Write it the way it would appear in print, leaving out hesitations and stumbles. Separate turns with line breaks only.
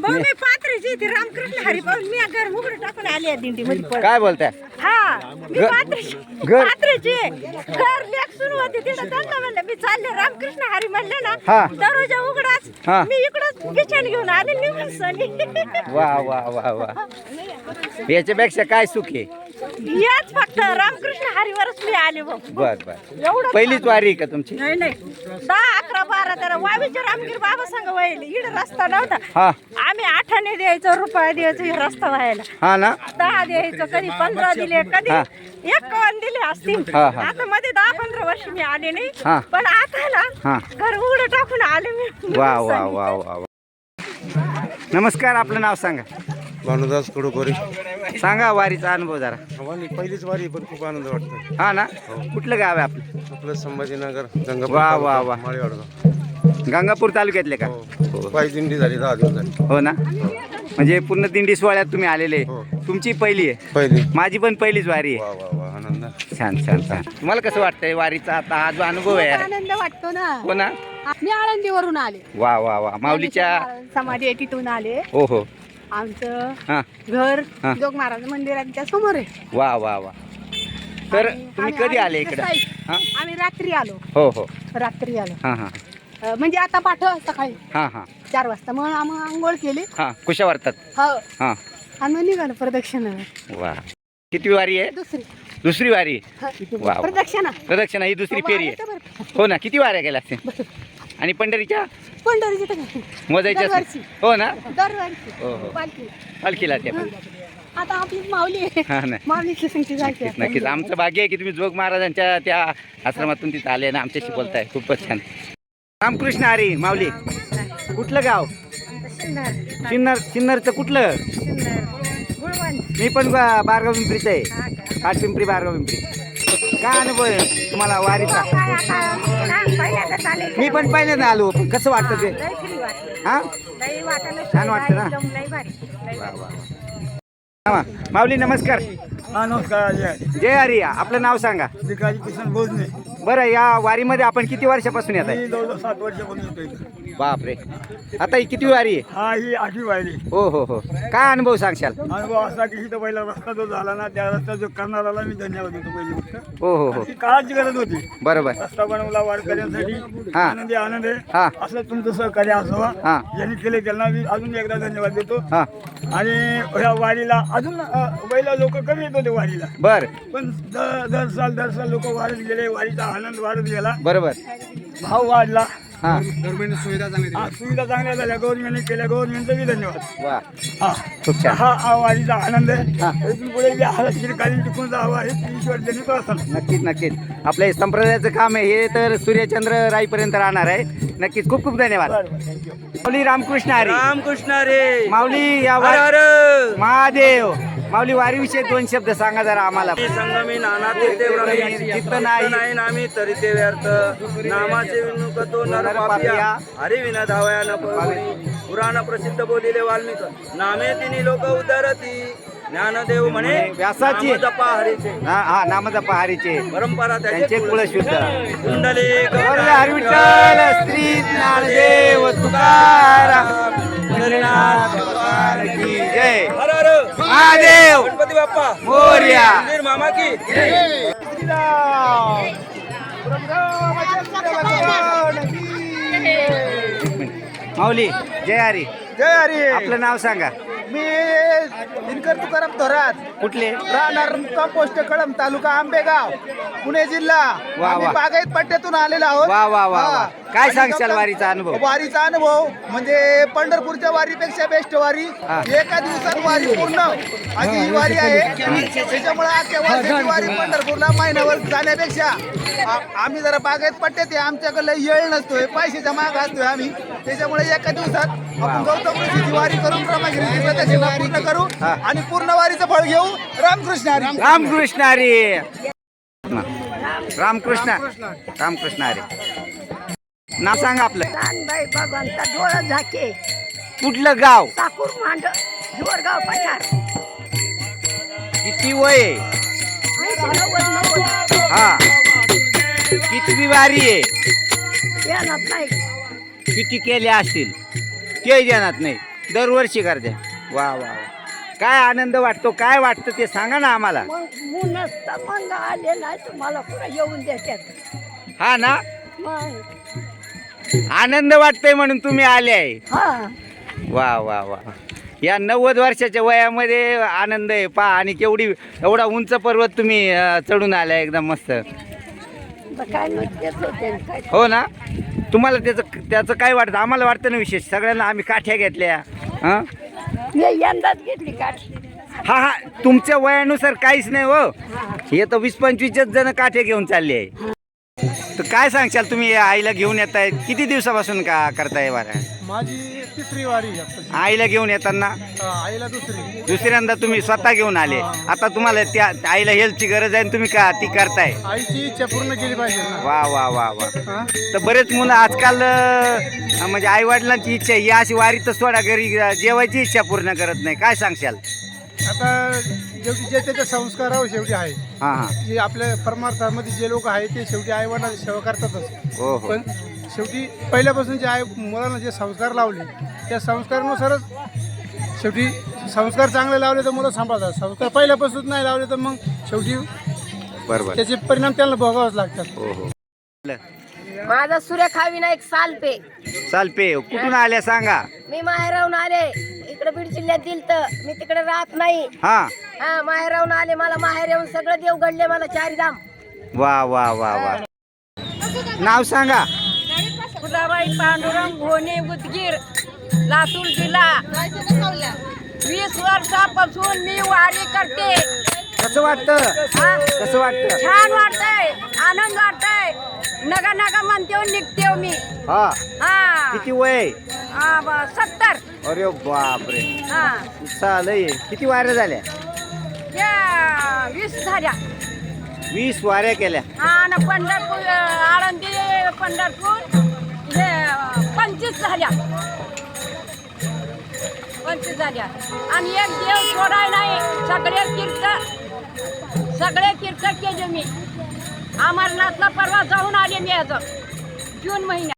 भाऊ मी पात्रीची ती रामकृष्ण हरिभाऊ मी घर उघड टाकून आली आहे दिंडी मध्ये.
काय बोलताय?
हा मी पात्रीची
घर?
पात्रीची घर लेख सुरू होती तिथं त्यांना म्हणलं मी चालले रामकृष्ण हरी म्हणले ना
हा.
दरवाजा उघडाच
हा.
मी इकडं बिछाण घेऊन आले निघून सनी.
वा वा वा वा, याच्यापेक्षा काय सुख आहे?
याच फक्त रामकृष्ण हरीवरच मी आले भाऊ.
बर बर,
एवढं
पहिलीच वारी आहे का तुमची?
नाही नाही 10, 11, 12, 13 वावीच्या रामगिर बाबा सांग व्हायला इकडे रस्ता नव्हता.
हा
आम्ही 8 द्यायचो रुपये द्यायचो हे रस्ता व्हायला.
हा ना,
10 द्यायचो, कधी 15 दिले, कधी
हा.
51 दिले असतील.
हा, हा.
आता मध्ये 10-15 वर्ष मी आले नाही
हा.
पण आता ना
हा.
घर उघडं टाकून आले मी.
वा वा वा वा वा. नमस्कार, आपलं नाव सांगा.
भानुदास कडोकोरी.
सांगा वारीचा अनुभव जरा.
पहिलीच वारी पण खूप आनंद वाटतो.
हा ना, कुठलं गाव आहे आपलं?
आपलं संभाजीनगर गंगापूर
वा वा वा.
माळेवाडगाव.
गंगापूर तालुक्यातले का?
हो. पायी दिंडी झाली 10 दिवस झाली.
हो ना, म्हणजे पूर्ण दिंडी सोहळ्यात तुम्ही आलेले.
हो.
तुमची पहिली आहे?
पहिली.
माझी पण पहिलीच वारी आहे.
वा वा वा, आनंद.
छान छान छान. तुम्हाला कसं वाटतंय वारीचा आता हा जो अनुभव आहे?
आनंद वाटतो ना.
हो ना,
मी आळंदीवरून आले.
वा वा वा. माऊलीच्या
समाधी आहे तिथून आले.
हो हो.
आमचं
हा
घर
हा.
जोग महाराज मंदिराच्या समोर आहे.
वा वा वा. तर
आणि
तुम्ही
आम्ही
कधी आले इकडे?
साई-
हा
आम्ही रात्री आलो.
हो हो.
रात्री आलो
हा हा
म्हणजे आता सकाळी
हा हा
4 वाजता मग आम्ही आंघोळ केली.
हा. कुशा वारतात?
हो
हा.
आणि मग निघालो प्रदक्षिणा.
वा. किती वारी आहे? दुसरी वारी आहे. वा वा.
प्रदक्षिणा
प्रदक्षिणा ही दुसरी फेरी आहे. हो ना, किती वाऱ्या गेल्या असतील? आणि पंढरीच्या
पंढरीची तर
मोजायच्या
दरवर्षी.
असतील? हो ना,
दरवर्षी
हो हो.
पालखी.
पालखीला ते पण.
आता आपली माऊली आहे.
हा ना,
माऊलीची संख्या जायची
नक्कीच नक्कीच. आमचं भाग्य आहे की तुम्ही जोग महाराजांच्या त्या आश्रमातून तिथं आले ना, आमच्याशी बोलताय. खूपच छान. रामकृष्ण हरी. माऊली कुठलं गाव? सिन्नरचं कुठलं? मी पण बारगाव पिंपरीचं आहे. काठपिंपरी बारगाव पिंपरी. काय अनुभव आहे तुम्हाला वारीचा? मी पण पहिल्यांदा आलो. कसं वाटतं ते? हा, छान वाटतं ना. वा, वा. हा, माऊली नमस्कार.
हा नमस्कार.
जय हरी. आपलं नाव सांगा.
भिकाजी किसन भोजने.
बरं, या वारीमध्ये आपण किती वर्षापासून येत आहे?
मी जवळजवळ 7 वर्षापासून येतो इथे.
बापरे, आता ही किती वारी आहे?
हा ही 8वी वारी.
हो हो हो. काय अनुभव सांगशाल?
अनुभव असा की इथं पहिला रस्ता जो झाला ना त्या रस्ता जो करणाराला मी धन्यवाद देतो पहिली गोष्ट.
हो हो हो.
ती काळाची गरज होती.
बरोबर.
रस्ता बनवला वारकऱ्यांसाठी.
हा.
आनंदी आनंद आहे.
हा.
असं तुमचं सहकार्य असावा.
हा.
ज्यांनी केले त्यांना मी अजून एकदा धन्यवाद देतो.
हा.
आणि ह्या वारीला अजून पहिला लोक कमी येत होते वारीला,
बर.
पण दर साल लोक वाढत गेले. वारीचा आनंद वाढत गेला.
बरोबर.
भाव वाढला.
हा.
सुविधा चांगल्या झाल्या गव्हर्नमेंटने केल्या. गव्हर्नमेंटचा बी धन्यवाद.
वा.
हा.
खूप छान.
हा वारीचा आनंद आहे.
हा.
इथून पुढे जे चिरकालीन टिकून जावं हे ईश्वर जनित असतं.
नक्कीच नक्कीच. आपलं हे संप्रदायाचं काम आहे हे तर सूर्यचंद्र राईपर्यंत राहणार आहे. नक्कीच. खूप खूप धन्यवाद. माऊली रामकृष्ण हरी.
रामकृष्ण रे.
माऊली या
हर हर
महादेव. माऊली वारीविषयी 2 शब्द सांगा जरा आम्हाला.
संगमी नाना तीर्थे ब्रह्मी
चित्त नाही
नामी तरी ते व्यर्थ नामाचे विनुक तो नर पापिया हरी विना धावया न पळवणी पुराण प्रसिद्ध बोलिले वाल्मिक नामे तिनी लोक उतरती ज्ञानदेव म्हणे
व्यासाची.
नाम जपा हरीचे.
हा, नामजपा हरीचे.
परंपरा
त्यांचे कुळ शुद्ध.
कुंडली
हरी विठ्ठल श्री ज्ञानदेव तुकाराम हरिनाथ भगवान की जय.
हर हर
महादेव.
गणपती बाप्पा
मोरया.
मंदिर मामा की
माऊली जय हरी.
जय हरी.
आपलं नाव सांगा.
मी दिनकर तुकाराम थोरात,
कुठले?
राहणार कंपोस्ट कळंब, तालुका आंबेगाव, पुणे जिल्हा.
वा.
आम्ही बागायत पट्ट्यातून आलेलो आहोत.
वा वा वा वा.
हा.
काय
आणि
सांगशाल
समजा
वारीचा अनुभव?
वारीचा अनुभव म्हणजे पंढरपूरच्या वारीपेक्षा बेस्ट वारी.
हा.
एका दिवसात वारी पूर्ण अशी ही वारी आहे. त्याच्यामुळे आजच्या वर्षाची वारी पंढरपूरला महिन्यावर जाण्यापेक्षा आम्ही जरा बागायत पट्ट्यात आहे. आमच्याकडे येळ नसतोय, पैशाचा माग असतोय आम्ही. त्याच्यामुळे एका दिवसात आपण गौतम ऋषीची वारी करून ब्रह्मगिरीची प्रदक्षिणा पूर्ण करू
हा.
आणि पूर्ण वारीचं फळ घेऊ. रामकृष्ण हरी.
रामकृष्ण हरी. रामकृष्ण रामकृष्ण हरी. नाव सांगा आपलं.
बाई भगवंता डोळा झाके
कुठलं गाव?
साकूर मांड हिवरगाव पठार.
किती वय आहे?
90
हा. कितवी वारी आहे?
येणार नाही.
किती केल्या असतील ते ध्यानात नाही. दरवर्षी करते. वा वा वा. काय आनंद वाटतो, काय वाटतं ते सांगा ना आम्हाला.
मग नसतं मग आले नाही तुम्हाला पुढे येऊन देतात.
हा ना,
मग
आनंद वाटतंय म्हणून तुम्ही आले आहे.
हा
वा वा वा. या 90 वर्षाच्या वयामध्ये आनंद आहे पा. आणि एवढा उंच पर्वत तुम्ही चढून आलाय एकदम मस्त.
काय नसतेच होते काय.
हो ना. तुम्हाला त्याचं काय वाटतं. आम्हाला वाटतं ना विशेष. सगळ्यांना आम्ही काठ्या घेतल्या. हां
मी यंदाच घेतली काठी.
हा हा. तुमच्या वयानुसार काहीच नाही हो. हे तर 20-25 जण काठे घेऊन चालले आहे. तर काय सांगशाल तुम्ही आईला घेऊन येत आहे. किती दिवसापासून का करताय वारा.
माझी तिसरी वारी
आईला घेऊन येताना
आईला
दुसऱ्यांदा तुम्ही स्वतः घेऊन आले. आता तुम्हाला त्या आईला हेल्थची गरज आहे तुम्ही का ती करताय.
आईची इच्छा पूर्ण केली पाहिजे.
वा वा वा वा. तर बरेच मुलं आजकाल म्हणजे आई वडिलांची इच्छा ही अशी वारीतच सोडा घरी जेवायची इच्छा पूर्ण करत नाही. काय सांगशाल.
आता शेवटी जे त्याच्या संस्कारावर शेवटी आहे.
हां हां.
जे आपल्या परमार्थामध्ये जे लोक आहेत ते शेवटी आई वडिलांची सेवा करतातच.
हो हो.
पण शेवटी पहिल्यापासून जे आई मुलांना जे संस्कार लावले त्या संस्कारानुसारच शेवटी संस्कार चांगले लावले तर मुलं सांभाळतात. संस्कार पहिल्यापासून नाही लावले तर मग शेवटी
बरोबर
त्याचे परिणाम त्यांना भोगावेच लागतात.
हो हो.
माझा सुरेखा विनायक सालपे.
चालपे कुठून आल्या सांगा.
मी माहेराहून आले. इकडे बीड जिल्ह्यात दिलत. मी तिकडे राहत नाही.
हा
हा माहेराहून आले. मला माहेर येऊन सगळं देव घडले मला चारीधाम.
वा वा वा वा. नाव सांगा.
फुलाबाई पांडुरंग घोणे बुदगीर लातूर जिल्हा. 20 वर्षापासून मी वारी करते.
कसं वाटतं. कसं वाटतं.
छान वाटतंय. आनंद वाटतंय. नगा नगा म्हणते निघते मी.
हा
हा
किती वय.
70.
अरे बापरे.
हा
चालय. किती वाऱ्या झाल्या.
या 20 झाल्या.
20 वाऱ्या केल्या.
हा ना पंढरपूर आळंदी पंढरपूर हे 25 झाल्या. 25 झाल्या. आणि एक देव सोडाय नाही. सगळे तीर्थ केले मी. अमरनाथला परवा जाऊन आले मी आज जून महिन्यात.